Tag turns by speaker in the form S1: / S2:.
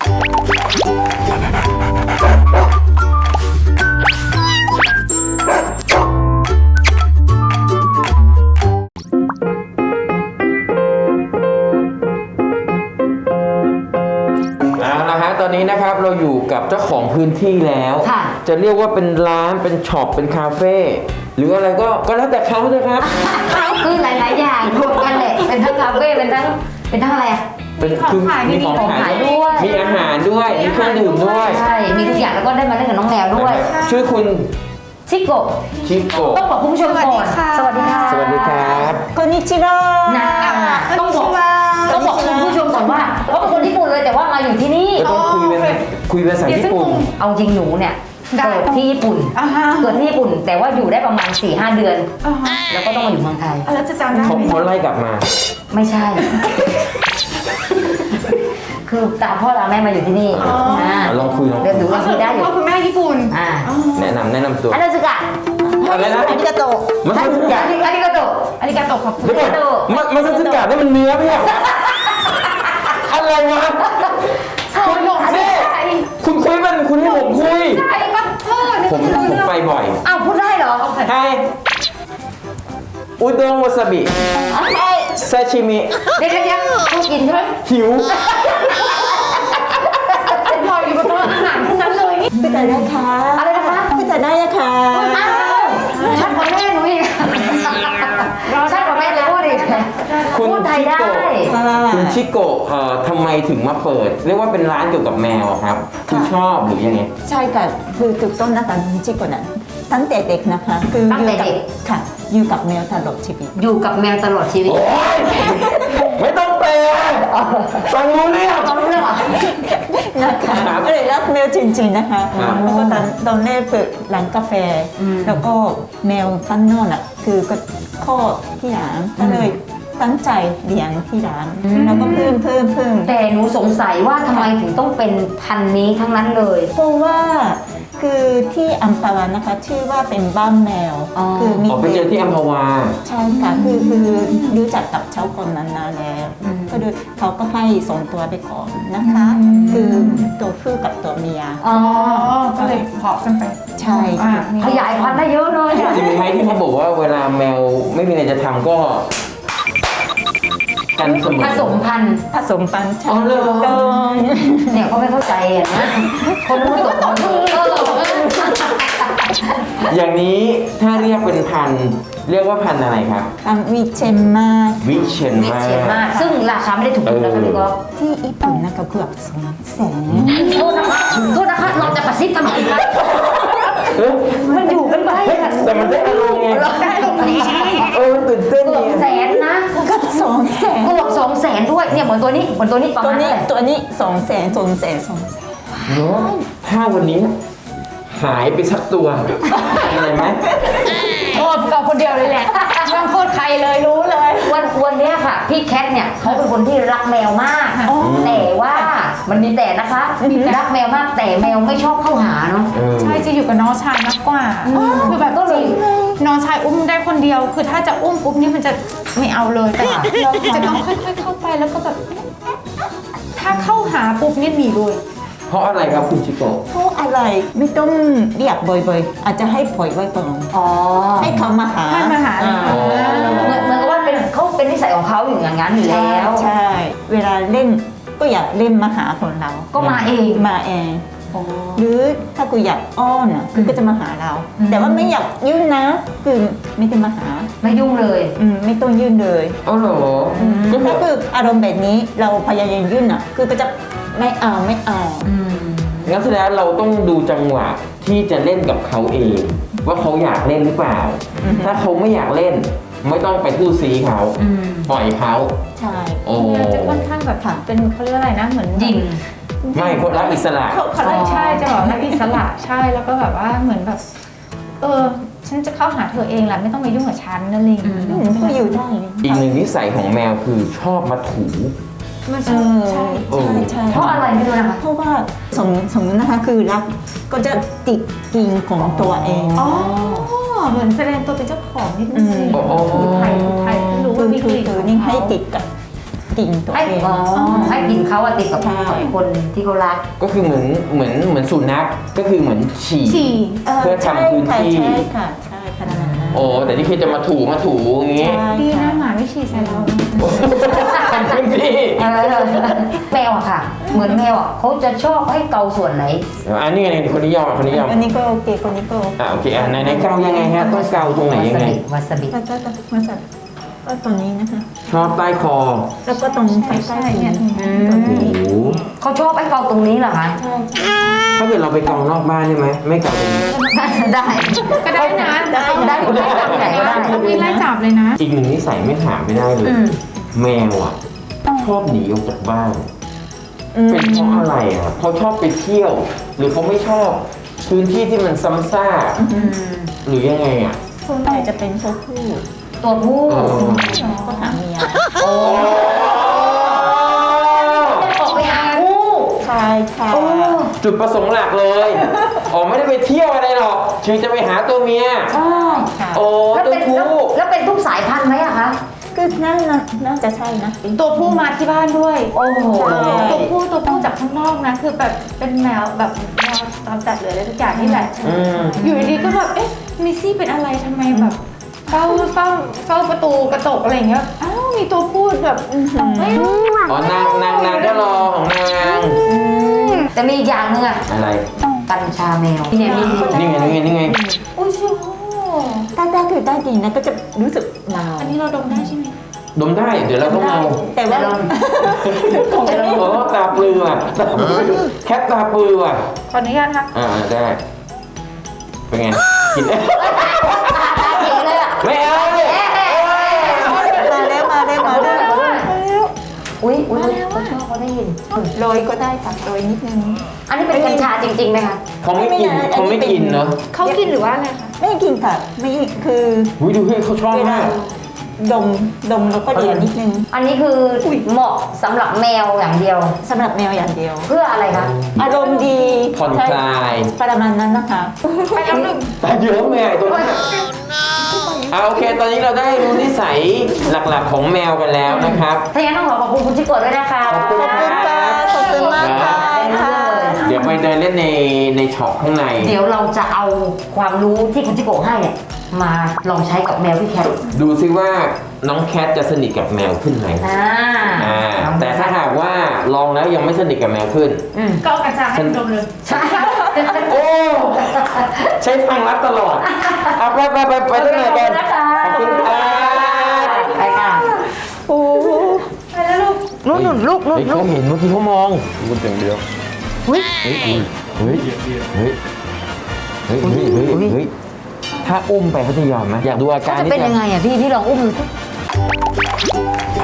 S1: ตอนนี้นะครับเราอยู่กับเจ้าของพื้นที่แล้วจะเรียกว่าเป็นร้านเป็นช็อปเป็นคาเฟ่หรืออะไรก็แล้วแต่เขาเลยครับ
S2: คือหลายๆอย่างรวมกันแหละเป็นทั้งคาเฟ่เป็นทั้งอะไรอ่ะ
S1: เป็นของขายมีของขายด้วยมีอาหารด้วยมีเครื่องดื่มด้วย
S2: ใช่มีทุกอย่างแล้วก็ได้มาเล่นกับน้องแมวด้วย
S1: ชื่อคุณ
S2: ชิโกะต้องบอกคุณผู้ชมก่อนสวัสดีค่ะ
S1: สวัสดีครับ
S3: こんにちは
S2: นะต้องบอกคุณผู้ชมก่อนว่าเขาเป็นคนญี่ปุ่นเลยแต่ว่ามาอยู่ที่นี่
S1: ต้องคุยภาษาญี่ปุ่น
S2: เอาจริงหนูเนี่ยเกิดที่ญี่ปุ่นแต่ว่าอยู่ได้ประมาณ 4-5 เดือนแล้วก็ต้องมาอยู่เมืองไทย
S3: แล้วจะจำได้
S1: เขาไล่กลับมา
S2: ไม่ใช่คือตามพ่อตามแม่มาอยู่ที่นี่
S1: ลองคุย
S2: เดี๋ยวดูลองคุยได้อยู่
S3: พ่อคุณแม่ญี่ปุ่น
S1: แนะนำตัว
S2: อาราซึกะ
S1: อะไรนะ
S3: อาริกาโตะ
S1: มัสซึกะ
S2: อาริกาโตะ
S3: ขอบคุณ
S1: มัสซึกะนี่มันเนื้อไม่ใช่อะไรวะคุณคุยมันคุณให้ผมคุยผมไปบ่อย
S2: อ้าวพูดได้เหรอ
S1: ใช่อุด้งวาซาบิซาชิมิ
S2: เดี๋ยวพูดกินใช่ไหม
S1: หิว
S3: ลอยอยู่บนโต๊ะอาหารทั้งนั้นเลยนี่ไปแต่ได้ค่ะ
S2: อะไรนะคะ
S3: ไปแต่ได้ค่ะ
S2: ชัดกว่าแม่หนูอีกชัดกว่าแม่เลยพูดอีกพูดไทยได้
S1: คุณชิโกะทำไมถึงมาเปิดเรียกว่าเป็นร้านเกี่ยวกับแมวครับคือชอบหรือยังไง
S3: ใช่ค่ะคือจุดต้นนะคะชิโกะนั้นตั้งแต่เด็กนะคะคือ
S2: ตั้งแต่เด็ก
S3: ค่ะอยู่กับแมวตลอดชีวิต
S2: อยู่กับแมวตลอดชีวิต
S1: ไม่ต้องแปลฟังรู้เรื่อง
S3: นะคะก็เลยรักแมวจริงๆนะคะแล้วก็ตอนแรกเปิดร้านกาแฟแล้วก็แมวข้างนอกน่ะคือก็ข้อที่ร้านก็เลยตั้งใจเลี้ยงที่ร้านแล้วก็เพิ่ม
S2: แต่หนูสงสัยว่าทำไมถึงต้องเป็นพันธุ์นี้ทั้งนั้นเลย
S3: เพราะว่าคือที่อัมพวานะคะชื่อว่าเป็นบ้านแมว
S1: คือมีไปเจอที่อัมพวา
S3: ใช่ค่ะคือรู้จักกับเจ้าคนนั้นนานแล้วก็เลยเขาก็ให้ส่งตัวไปก่อนนะคะคือตัวผู้กับตัวเมีย
S2: ก็เลยเพาะกันไป
S3: ใช่
S2: ขยายพันธุ์ได้เยอะเลย
S1: จริงไหมที่เขาบอกว่าเวลาแมวไม่มีอะไรจะทำก็กันเสมอ
S2: ผสมพันธุ์
S3: ใช่เลย
S2: เนี่ยเขาไม่เข้าใจนะคนผสม
S1: อย่างนี้ถ้าเรียกเป็นพันธุ์เรียกว่าพันธุ์อะไรครับ
S3: วิเชนมา
S2: ซึ่งราคาไม่ได้ถูกนะคะพี่ก๊อฟ
S3: ที่ญี่ปุ่นนะคะเกือบ200,000
S2: โทษนะคะเราจะกระซิบทำไมคะมันอยู่กันไป
S1: แต่มันได้อารมณ์ไง
S2: ได้ตรงนี้
S1: ตื่นเต้น
S2: เกือบ100,000นะ
S3: เกือบ200,000
S2: เกือบ200,000ด้วยเนี่ยเหมือนตัวนี้ประมาณ
S3: ตัวนี้200,000
S1: เนาะถ้าวันนี้หายไปสักตัวอะไรไหม
S2: โอ้เราคนเดียวเลยแหละไม่ต้องโทษใครเลยรู้เลยวันนี้ค่ะพี่แคทเนี่ยเขาเป็นคนที่รักแมวมากแต่ว่ามันมีแต่นะคะรักแมวมากแต่แมวไม่ชอบเข้าหาเนาะ
S4: ใช่จะอยู่กับน้องชายมากกว่าคือแบบก็เลยน้องชายอุ้มได้คนเดียวคือถ้าจะอุ้มปุ๊บนี่มันจะไม่เอาเลยแต่เราจะต้องค่อยๆเข้าไปแล้วก็แบบถ้าเข้าหาปุ๊บนี่หนีเลย
S1: เพราะอะไรครับคุณชิโกะ
S3: เพราะอะไรไม่ต้องเรียกบ่อยๆอาจจะให้ปล่อยไว้ก่อนให้เขามาหา
S4: เหมือน
S2: กับว่าเขาเป็นนิสัยของเขาอยู่อย่างนั้นอยู่แล้ว
S3: ใช่เวลาเล่นก็อยากเล่นมาหาคนเรา
S2: ก็มาเอง
S3: หรือถ้ากูอยากอ้อนคือก็จะมาหาเราแต่ว่าไม่อยากยุ่งนะคือไม่ได้มาหา
S2: ไม่ยุ่งเลย
S3: ไม่ต้องยุ่งเลย
S1: อ๋อเหรอ
S3: ก็คืออารมณ์แบบนี้เราพยายามยุ่งคือก็จะไม่เอา
S1: งั้นแสดงเราต้องดูจังหวะที่จะเล่นกับเขาเองว่าเขาอยากเล่นหรือเปล่าถ้าเขาไม่อยากเล่นไม่ต้องไปทู่ซีเขาปล่อยเขา
S3: ใช่
S4: จะค่อนข้างแบบเป็นเขาเรียกอะไรนะเหมือน
S2: ยิง
S1: ไม่คนรักอิสระ
S4: เขาใช่จะบอกรักอิสระใช่แล้วก็แบบว่าเหมือนแบบฉันจะเข้าหาเธอเองแหละไม่ต้องมายุ่งกับฉันนั่นเอง
S3: ก็อยู่ได้
S1: อีกหนึ่งนิสัยของแมวคือชอบมาถู
S3: ใช่
S2: เพราะอะไรไม่รู้นะคะ
S3: เพราะว่าสมมตินะคะคือรักก็จะติดกินของตัวเอง
S4: เหมือนแสดงตัวเป็นเจ้าของนิดนึงไทยรู้ว่ามีกลิ่น
S3: นี่ให้ติดกับกินตัว
S2: ให้
S3: เอง
S2: ให้กินเขาอะติดกับ
S3: ใช่
S2: คนที่เขารัก
S1: ก็คือเหมือนสุนัขก็คือเหมือนฉี่
S4: ฉี่
S1: เพื่อทำพื้นที่
S3: ใช่ค่ะใช่ขนาดนั้น
S1: โอ้แต่ที่เคจะมาถูอย่างงี้
S3: ใช่
S4: ดีนะ
S3: ค่ะ
S4: หมาไม่ฉี่ใส่เรา
S1: ทำพื้นที่
S2: แมวอะค่ะ เหมือนแมวอะเขาจะชอบให้เกาส่วนไหน
S1: อันนี้ไงคนนิยมคนนิยม
S3: อันนี้ก็โอเคคนนี้ก็
S1: โอเคในเกายังไงฮะต้องเกาตรงไหนยังไง
S2: วาซาบิ
S3: ก็มาจากก็ตรงนี้นะคะ
S1: ชอบใต้คอ
S3: แล้วก็ตรงใกล้ๆเนี่ย
S1: โอ้โห
S2: เขาชอบให้เกาตรงนี้เหรอคะ
S1: ถ้าเกิดเราไปเกานอกบ้านได้ไหมไม่เกาตรงนี้
S2: ได้
S4: ก็ได้นะ
S2: ได้ที่ไหนก็ได้
S4: พี่ไล่จับเลยนะ
S1: อีกหนึ่งนิสัยไม่ถามไม่ได้เลย แมวอ่ะชอบหนีออกจากบ้าน เป็นเพราะอะไรอ่ะเขาชอบไปเที่ยว หรือเขาไม่ชอบพื้นที่ที่มันซ้ำซากหรือยังไงอ่ะ
S3: ส่วนใหญ่จะเป็นตัวผู้
S2: ตัวผู้
S3: ก็หาเมีย
S2: ออกไปหาคู่
S3: ใช่ค่ะ
S1: จุดประสงค์หลักเลยอ๋อไม่ได้ไปเที่ยวอะไรหรอกคือจะไปหาตัวเมีย
S2: ใช่
S3: ค่ะ
S1: โอ้
S2: แล้ว
S1: ตัว
S2: เป็น
S1: ผู้
S2: แล้วเป็นทุกสายพันธุ์ไหมอะคะ
S3: คือน่าจะใช่นะ
S4: ตัวผู้มาที่บ้านด้วย
S2: โอ้โห
S3: ใช่
S4: ตัวผู้จากข้างนอกนะ คือแบบเป็นแมวแบบแมวตามจัดเลยอะไรทุกอย่างนี่แหละ
S1: อืม
S4: อยู่ดีๆก็แบบเอ๊ะมิซี่เป็นอะไรทำไมแบบเฝ้าประตูกระจกอะไรอย่างเงี้ยอ้าวมีตัวพูดแบบไม่รู้
S1: อ๋อนางก็รอของนาง
S2: แต่มีอีกอย่างหนึงอะ
S1: อะไร
S2: กัญชาแมวที่เนี่ยมี
S1: นี่ไง
S4: โอ้ยชิว
S3: ถ้าคือใต้ดินนะก็จะรู้สึกเมา
S4: อันนี้เราดมได้ใช่ไหม
S1: ดมได้เดี๋ยวเราต้องเอา
S3: แต่ว่า
S1: ของตาปลือว่ะแคทตาปลือว่ะ
S4: ขออนุญาตค่ะ
S1: ได้ เป็นไง กินได้
S2: เจ๋งเลยอะ
S1: ไม่เอา
S3: มาแล้ว
S2: อุ้ยเขาชอบเขาได้ยิน
S3: โรยก็ได้ค่ะโรยนิดนึง
S2: อันนี้เป็นกัญชาจริงๆไหมคะ
S1: เขาไม่กินเนาะ
S4: เขากินหรือว่าอะไรคะ
S3: ไม่กินค่ะไม่คือ
S1: อุ้ยดูเฮ้ยเขาชอบ
S3: เวลาม
S1: าก
S3: ดมแล้วก็เดียวนิดนึง
S2: อันนี้คือเหมาะสำหรับแมวอย่างเดียว
S3: สำหรับแมวอย่างเดียว
S2: เพื่ออะไรคะ
S3: อารมณ์ดี
S1: ผ่อนคลาย
S3: ประมาณนั้นนะคะ
S4: ไปแล้วหนึ่ง
S1: แต่เยอะแม่ตัวนี้โอเค ตอนนี้เราได้รู้นิสัยหลักๆของแมวกันแล้วนะครับ
S2: ถ้าอย่างนั้นต้องขอขอบคุณคุณชิโกะด้วยนะคะ
S1: ขอบคุณครับ
S3: ขอบคุณมากค่ะ
S1: เดี๋ยวไปเดินเล่นในช็อปข้างใน
S2: เดี๋ยวเราจะเอาความรู้ที่คุณชิโกะให้เนี่ยมาลองใช้กับแมวพี่แคท
S1: ดูซิว่าน้องแคทจะสนิทกับแมวขึ้นไหม แต่ถ้าหากว่าลองแล้วยังไม่สนิทกับแมวขึ้น
S4: ก็เอากัญชาให้ดมเลย
S2: ใช่
S1: โอ้ ใช้ทางลัดตลอดเอาไปตั้งไหนกัน ขอบคุณครับ
S2: ไปค่ะ
S3: โอ้
S4: ไปแล้วลูก
S2: นู่นลูก
S1: เฮ้ยเขาเห็นเมื่อกี้เขามอง
S5: พูดอย่างเดียว
S1: เฮ้ยถ้าอุ้มไปเขาจะยอมไหมอยากดูอา
S2: เขา
S1: การ
S2: จะ
S1: นิด
S2: เป็น
S1: นึ
S2: ยัง งไงอ่ะพี่ลองอุ้มดูสิ